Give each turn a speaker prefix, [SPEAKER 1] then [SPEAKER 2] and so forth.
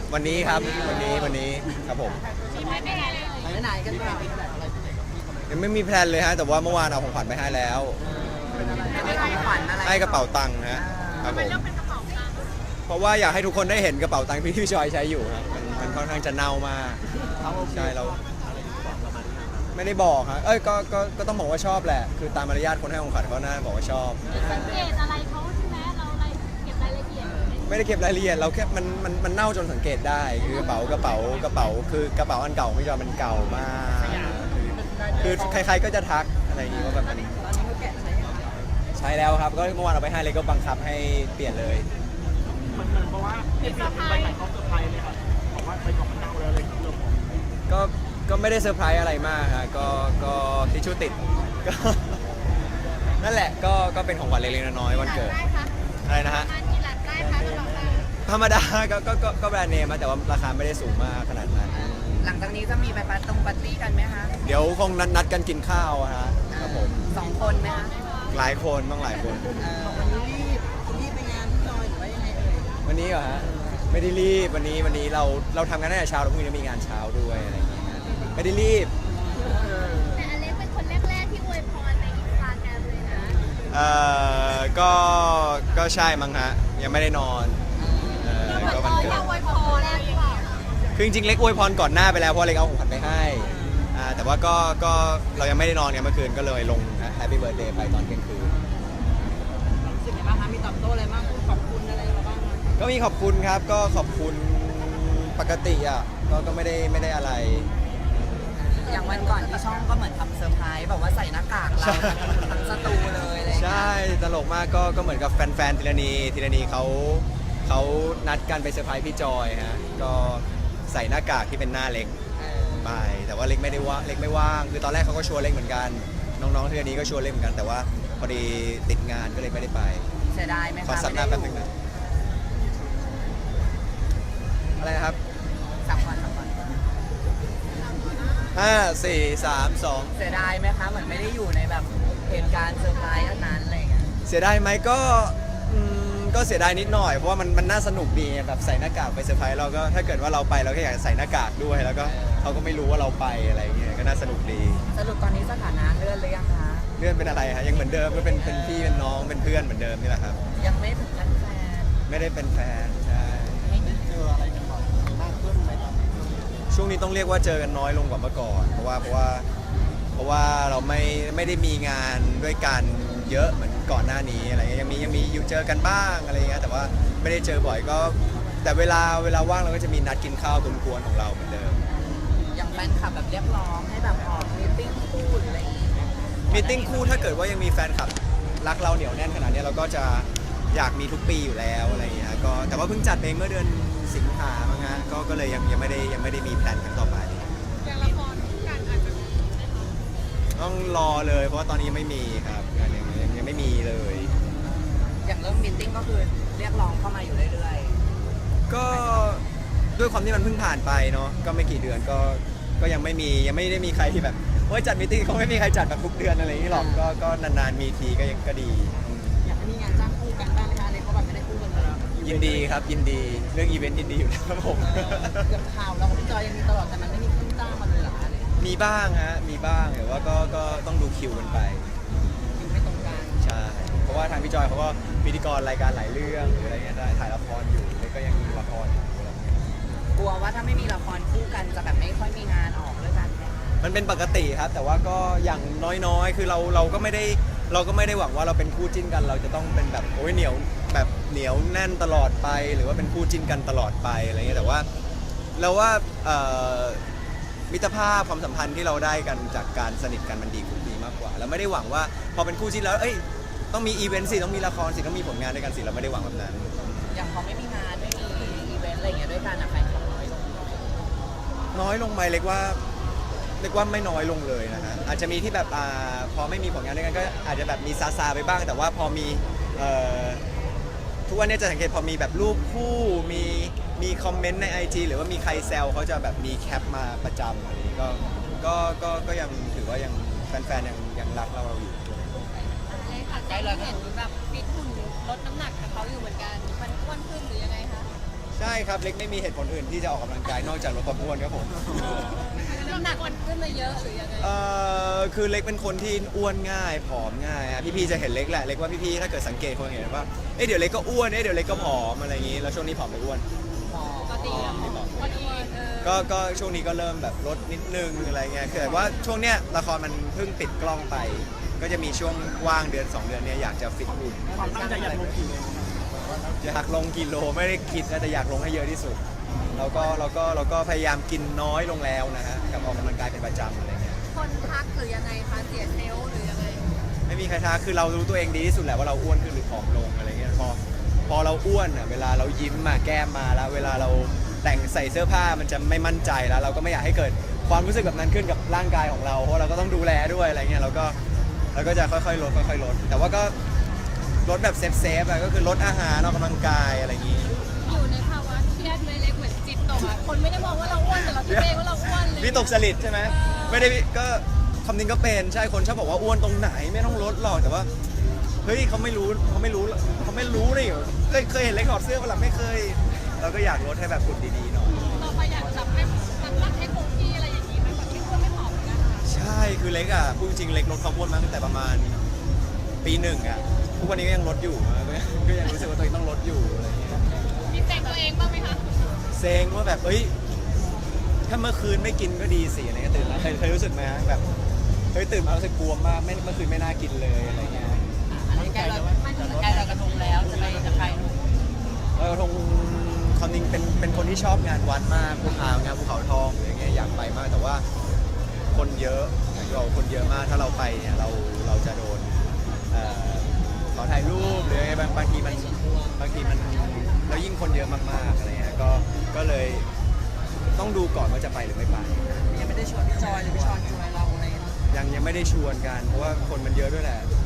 [SPEAKER 1] วันนี้ครับวันนี้ครับผม
[SPEAKER 2] มีไหมไปไหนเลย
[SPEAKER 3] ไปไหนกันบ้าง
[SPEAKER 1] ยังไม่มีแพลนเลยฮะแต่ว่าเมื่อวานเอาของขวัญไปให้แล้ว
[SPEAKER 3] ไม่ได้ขวัญอะไร
[SPEAKER 1] ให้กระเป๋าตังค์ฮะครับผม
[SPEAKER 2] เลือกเป็นกระเป๋าตังค์
[SPEAKER 1] เพราะว่าอยากให้ทุกคนได้เห็นกระเป๋าตังค์ที่พี่จอยใช้อยู่ครับมันค่อนข้างจะเน่ามากใช่เราไม่ได้บอกฮะก็ต้องบอกว่าชอบแหละคือตามมารยาทคนให้ของขวัญเขาน่าบอกว่าชอบ
[SPEAKER 2] สังเกตอะไรเขาใช่ไหมเราอะไรเก็บรายละเอียด
[SPEAKER 1] ไม่ได้เก็บรายละเอียดเราแค่มันเน่าจนสังเกตได้คือกระเป๋คือกระเป๋าอันเก่าไม่ยอมมันเก่ามากคือใครๆก็จะทักอะไรอย่างงี้ว่าแบบมัน
[SPEAKER 3] ตอนนี้เขาแกะใช้ยังไง
[SPEAKER 1] ใช้แล้วครับก็เมื่อวานเอาไปให้เลยก็บังคับให้เปลี่ยนเลย
[SPEAKER 4] มันเพราะว่าเปลี่ยนไปไหนเขาเซอร์ไพรส์เลยครับบอกว่าไปกล่องมันเน่าแล้วเลยเริ่ม
[SPEAKER 1] ก็ไม่ได้เซอร์ไพรส์อะไรมากฮะก็ทิชชู่ติดก็ นั่นแหละก็เป็นของขวัญเล็กๆน้อยๆวันเกิด
[SPEAKER 2] ได้คะ
[SPEAKER 1] อะไรนะฮะ
[SPEAKER 2] ทานกี่หลักได้คะกระเป๋าตังค์
[SPEAKER 1] ธรรมดาก็แบรนด์เนมนะแต่ว่าราคาไม่ได้สูงมากขนาดนั้น
[SPEAKER 3] หลังจากนี้จะมีไปปาร์ตี้กันไหมคะ
[SPEAKER 1] เดี๋ยวคงนัดกันกินข้าวอะฮะครับผม
[SPEAKER 3] 2 คนไหมคะ
[SPEAKER 1] หลายคนต้องหลายคน
[SPEAKER 3] วันนี้รีบไปงานพี่จอยหรือว่ายังไงเอ่ย
[SPEAKER 1] วันนี้เหรอฮะไม่ได้รีบวันนี้เราทำงานตั้งแต่เช้าแล้วพรุ่งนี้มีงานเช้าด้วยอะไรอย่างเงี้ยไม่ได้รีบ
[SPEAKER 2] แต่อเล็กเป็นคนแรกๆที่อวยพรในอินสตาแกรมเลยนะ
[SPEAKER 1] ก็ใช่มั้งฮะยังไม่ได้นอนก็วันเกิด
[SPEAKER 2] อวยพรแรกหรือเปล่า
[SPEAKER 1] คือจริงๆเล็กอวยพรก่อนหน้าไปแล้วเพราะเล็กเอาของขวัญไปให้แต่ว่าก็เรายังไม่ได้นอนกันเมื่อคืนก็เลยลง Happy Birthday ไปตอนเที่ยงคืน
[SPEAKER 3] รู้สึกยังไงบ้างคะมีตอบโต้อะไรบ้างพูดขอบคุณอะไรมาบ้างคะ
[SPEAKER 1] ก็มีขอบคุณครับก็ขอบคุณปกติอ่ะก็ไม่ได้อะไร
[SPEAKER 3] อย่างวันก่อนที่ช่องก็เหมือนทำเซอร์ไพรส์แบบว่าใส่หน้ากากเราทั้งสตูเลยอะไรอย่างเงี้ย
[SPEAKER 1] ใช่ตลกมากก็เหมือนกับแฟนๆทีละนีเขานัดกันไปเซอร์ไพรส์พี่จอยฮะก็ใส่หน้ากากที่เป็นหน้าเล็กไปแต่ว่าเล็กไม่ได้ว่าเล็กไม่ว่างคือตอนแรกเขาก็ชวนเล็กเหมือนกันน้องๆทีละนีก็ชวนเล็กเหมือนกันแต่ว่าพอดีติดงานก็เลยไม่ได้ไป
[SPEAKER 3] เสียดายไหมคะ
[SPEAKER 1] ขอสับหน้าแป๊บนึงนะอะไรนะครับ
[SPEAKER 3] สามวัน
[SPEAKER 1] 5 4 3 2
[SPEAKER 3] เสียดายไหมคะเหมือนไม่ได้อยู่ในแบบเหตุการณ์เซอร์ไพรส์อันนั้นอะไรอย่างเงี้ย
[SPEAKER 1] เสียดายไหมก็เสียดายนิดหน่อยเพราะว่ามันน่าสนุกดีแบบใส่หน้ากากไปเซอร์ไพรส์เราก็ถ้าเกิดว่าเราไปเราก็อยากใส่หน้ากากด้วยแล้วก็เขาก็ไม่รู้ว่าเราไปอะไรอย่างเงี้ยก็น่าสนุกดี
[SPEAKER 3] สรุปตอนนี้สถานะเลื่อนหรือยังคะ
[SPEAKER 1] เลื่อนเป็นอะไรฮะยังเหมือนเดิมก็เป็นพี่เป็นน้องเป็นเพื่อนเหมือนเดิมนี่แหละครับ
[SPEAKER 3] ยังไม่ถึงขั้นแฟน
[SPEAKER 1] ไม่ได้เป็นแฟนใช่
[SPEAKER 4] เจออะไรกันบ่อยมากขึ้นไหมครับ
[SPEAKER 1] ช่วงนี้ต้องเรียกว่าเจอกันน้อยลงกว่าเมื่อก่อนเพราะว่าเราไม่ได้มีงานด้วยกันเยอะเหมือนก่อนหน้านี้อะไรเงี้ยยังมีอยู่เจอกันบ้างอะไรเงี้ยแต่ว่าไม่ได้เจอบ่อยก็แต่เวลาว่างเราก็จะมีนัดกินข้าวกวนๆของเราเหมือนเดิม
[SPEAKER 3] อย่างแฟนคลับแบบเรียกร้องให้แบบออกมีตติ้งคู่หรืออะไรอย่างเงี้ย
[SPEAKER 1] มีตติ้งคู่ถ้าเกิดว่ายังมีแฟนคลับรักเราเหนียวแน่นขนาดนี้เราก็จะอยากมีทุกปีอยู่แล้วอะไรอย่างเงี้ยก็แต่ว่าเพิ่งจัดเองเมื่อเดือนสิงหามั้งฮะก็เลยยังไม่ได้มีแพลนครั้งต่อไป
[SPEAKER 2] อย่างละครคู่กันอาจจะมี
[SPEAKER 1] ต้องรอเลยเพราะว่าตอนนี้ยังไม่มีครับยังไม่มีเลย
[SPEAKER 3] อย่างเรื่องมีตติ้งก็คือเรียกร้องเข้ามาอยู่เรื่อย
[SPEAKER 1] ก็ด้วยความที่มันเพิ่งผ่านไปเนาะก็ไม่กี่เดือนก็ยังไม่ได้มีใครที่แบบว่าจัดมีตติ้งเขาไม่มีใครจัดแบบทุกเดือนอะไรอย่างนี้หรอกก็นานๆมีทีก็ดี
[SPEAKER 3] ๆอยากให้มีงานจ้างคู่กันบ้างไหมคะอะไรเขาแบบไม่ได้คู่กันมาแล้ว
[SPEAKER 1] ยินดีครับยินดีเรื่องอีเวนต์ยินดีอยู่แล้วครับผม
[SPEAKER 3] เกือบข่าวเรากับพี่จอยยังมีตลอดแต่มันไม่มีคู่จ้างมาเลยเหรอคะอะไรอย่างเงี้ย
[SPEAKER 1] มีบ้างฮะมีบ้างแต่ว่าก็ต้องดูคิวกันไป
[SPEAKER 3] อยู่ไม่ตรงกัน
[SPEAKER 1] ใช่เพราะว่าทางพี่จอยเขาก็พิธีกรรายการหลายเรื่องหรืออะไรเงี้ยได้ถ่ายละครอยู่แล้วก็ยังมีละครอยู่อะไรเงี้ย
[SPEAKER 3] กลัวว่าถ้าไม่มีละครคู่กันจะแบบไม่ค่อยมีงานออกด้วยกันไหมคะ
[SPEAKER 1] มันเป็นปกติครับแต่ว่าก็อย่างน้อยๆ คือเราก็ไม่ได้หวังว่าเราเป็นคู่จิ้นกันเราจะต้องเป็นแบบโอ้ยเหนียวแบบเหนียวแน่นตลอดไป หรือว่าเป็นคู่จิ้นกันตลอดไปอะไรเงี้ยแต่ว่าเราว่ามิตรภาพความสัมพันธ์ที่เราได้กันจากการสนิทกันมันดีมากกว่าเราไม่ได้หวังว่าพอเป็นคู่จิ้นแล้วเอ้ยต้องมีอีเวนต์สิต้องมีละครสิต้องมีผลงานด้วยกันสิเราไม่ได้หวังแบบนั้น
[SPEAKER 3] อย่างพอไม่มีงานไม่มีอีเวนต์อะไรอย่างเงี้ยด้วยกันอะแฟนคลับน้อยลง
[SPEAKER 1] น้อยลงไหมเรียกว่าไม่น้อยลงเลยนะฮะอาจจะมีที่แบบพอไม่มีผลงานด้วยกันก็อาจจะแบบมีซาไปบ้าง แต่ว่าพอมีทุกวันนี้จะสังเกตพอมีแบบรูปคู่มีคอมเมนต์ใน IG หรือว่ามีใครแซวเขาจะแบบมีแคปมาประจำอะไรอย่างนี้ก็ยังถือว่ายังแฟนๆยังรักเราอยู่
[SPEAKER 2] เลยค่ะได้เห็นแบบฟิตหุ่นลดน้ำหนักกับเขาอยู่เหมือนกันมันอ้วนขึ้นหรือยังไงคะ
[SPEAKER 1] ใช่ครับเล็กไม่มีเหตุผลอื่นที่จะออกกำลังกายนอกจากลดความอ้วนครับผม
[SPEAKER 2] น้ำหนักขึ้นมาเยอะหรือยังไง
[SPEAKER 1] คือเล็กเป็นคนที่อ้วนง่ายผอมง่ายอะพี่ๆจะเห็นเล็กแหละเล็กว่าพี่ๆถ้าเกิดสังเกตคงเห็นว่าเดี๋ยวเล็กก็อ้วนเดี๋ยวเล็กก็ผอมอะไรอย่างงี้แล้วช่วงนี้ผอมหรืออ้วน
[SPEAKER 2] ปกติอะพอดี
[SPEAKER 1] ก็ช่วงนี้ก็เริ่มแบบลดนิดนึงอะไรเงี้ยคือแต่ว่าช่วงเนี้ยละครมันเพิ่งปิดกล้องไป ก็จะมีช่วงว่างเดือน 2 เดือนเนี้ยอยากจะฟิตหุ่น
[SPEAKER 4] ความตั้งใจอยากลงกี่โล
[SPEAKER 1] อยากลงกิโลไม่ได้คิดนะแต่อยากลงให้เยอะที่สุดเราก็พยายามกินน้อยลงแล้วนะฮะกับออกกำลังกายเป็นประจำอะไรเงี้ย
[SPEAKER 2] คนทักหรือยังไงคะเสียเซลล์หรือยังไง
[SPEAKER 1] ไม่มีใครท้าคือเรารู้ตัวเองดีที่สุดแหละว่าเราอ้วนขึ้นหรือผอมลงอะไรเงี้ยพอเราอ้วนอ่ะเวลาเรายิ้มมาแก้มมาแล้วเวลาเราแต่งใส่เสื้อผ้ามันจะไม่มั่นใจแล้วเราก็ไม่อยากให้เกิดความรู้สึกแบบนั้นขึ้นกับร่างกายของเราเพราะเราก็ต้องดูแลด้วยอะไรเงี้ยเราก็จะค่อยๆลดแต่ว่าก็ลดแบบเซฟอะก็คือลดอาหารออกกำลังกายอะไรอย่างงี้
[SPEAKER 2] อยู่ในภาวะเครียดไหมเล็กเหมือนจิตตกอ่ะคนไม่ได้มองว่าเราอ้วนแต่เราคิดเองว่าเราอ้วนเลย
[SPEAKER 1] วิตกจริตใช่ไหมไม่ได้ก็คำนึงก็เป็นใช่คนชอบบอกว่าอ้วนตรงไหนไม่ต้องลดหรอกแต่ว่าเฮ้ยเขาไม่รู้นี่เคยเห็นเล็กถอดเสื้อเปล่าไม่เคย เราก็อยากลดให้แบบหุ่นดีๆหน่อย
[SPEAKER 2] ต่อไปอยากจับให้น้ำหนักให้คงที่อะไรอย่างนี้ไหมแบบไม่อ้วนไม่ผอมนะคะ
[SPEAKER 1] ใช่คือเล็กอ่ะพูดจริงๆเล็กลดความอ้วนมาตั้งแต่ประมาณปีหนึ่งอ่ะทุกวันนี้ก็ยังลดอยู่ก็ยังรู้สึกว่าตัวเองต้องลดอยู่อะไรเงี้ย
[SPEAKER 2] มีแต่งตัวเองบ้างไหมคะ
[SPEAKER 1] เซ็งว่าแบบถ้าเมื่อคืนไม่กินก็ดีสิอะไรเงี้ยตื่นมาเคยรู้สึกไหมฮะแบบตื่นมารู้สึกกลัวมากเมื่อคืนไม่น่ากินเลยอะไรเงี้ย
[SPEAKER 3] ใกล้เรากระทงแล้วจะไปจะใครลูก
[SPEAKER 1] ลอยกระทงความจริงเป็นคนที่ชอบงานวัดมากงานภูเขาทองอย่างเงี้ยอยากไปมากแต่ว่าคนเยอะอย่างที่บอกคนเยอะมากถ้าเราไปเนี่ยเราจะโดนขอถ่ายรูปหรือไงบางทีมันแล้วยิ่งคนเยอะมากๆอะไรเงี้ยก็เลยต้องดูก่อนว่าจะไปหรือไม่ไป
[SPEAKER 3] ยังไม่ได้ชวนพี่จอยหรือพี่ชอนชวนเราอะไรเนาะ
[SPEAKER 1] ยังไม่ได้ชวนกันเพราะว่าคนมันเยอะด้วยแหละ